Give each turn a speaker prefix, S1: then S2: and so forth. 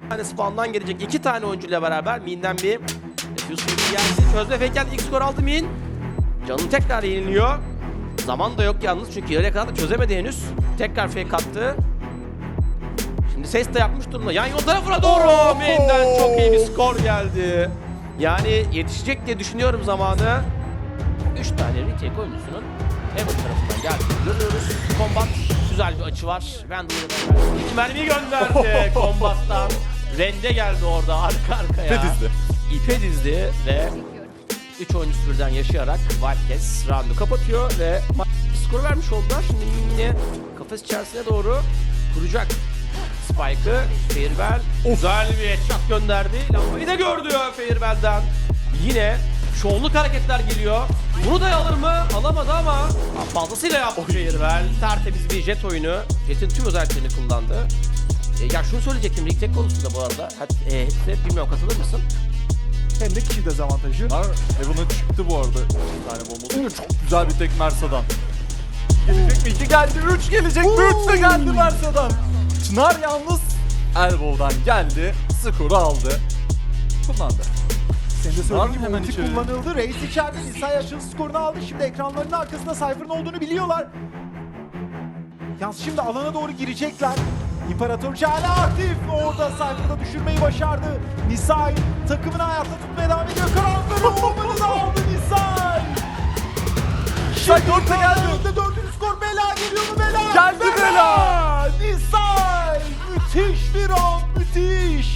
S1: tane spawn'dan gelecek 2 tane oyuncuyla beraber Min'den bir Defuse geldi. Çözme fake geldi. İlk skor aldı Min. Canı tekrar yeniliyor. Zaman da yok yalnız çünkü yarıya kadar da çözemedi henüz. Tekrar fake attı. Şimdi ses de yapmış durumda. Yan yol tarafına doğru Min'den çok iyi bir skor geldi. Yani yetişecek diye düşünüyorum zamanı. 3 tane retake oyuncusunun Heaven tarafından geldiğini görüyoruz. Combat güzel bir açı var. Vandal'ı iki mermi gönderdi Combat'tan. Rende geldi orada arka arkaya.
S2: İpe dizdi.
S1: İpe dizdi ve 3 oyuncusu birden yaşayarak Wildcats round'u kapatıyor ve skoru vermiş oldular. Şimdi Minnie kafes içerisine doğru kuracak Spike'ı. Fairbel güzel bir headshot gönderdi. Lambayı da gördü Fairbel'den. Yine şovluk hareketler geliyor. Bunu da alır mı? Alamadı ama fazlasıyla yaptı Fairbel. Tertemiz bir jet oyunu. Jet'in tüm özelliklerini kullandı. Ya şunu söyleyecektim Rig Tech konusunda bu arada. Hepsi bilmiyorum katılır mısın?
S3: Hem de kişi dezavantajı.
S2: Heaven'a çıktı bu arada. Bir tane bomba. Çok güzel bir tek Mersa'dan. Gelecek mi? 2 geldi. 3 gelecek mi? 3 de geldi Mersa'dan. Çınar yalnız Elbow'dan geldi. Skoru aldı. Kullandı.
S3: Senin de söylediğin gibi
S2: Hemen
S3: ulti
S2: içeri.
S3: kullanıldı. Reis içeride Nisa'ya açılış skorunu aldı. Şimdi ekranlarının arkasında Cypher'ın olduğunu biliyorlar. Yalnız şimdi alana doğru girecekler. İmparatorca hala aktif. Orada Cypher'da düşürmeyi başardı. Nisa'yı takımını hayatta tutmaya devam ediyor. Karanlıkları olmanı da aldı Nisa'yı.
S2: Nisa'yı dörtte geldi.
S3: Önünde dördüncü skor. Bela geliyor mu Bela?
S2: Geldi Bela.
S3: Nisa'yı müthiş bir round. Müthiş.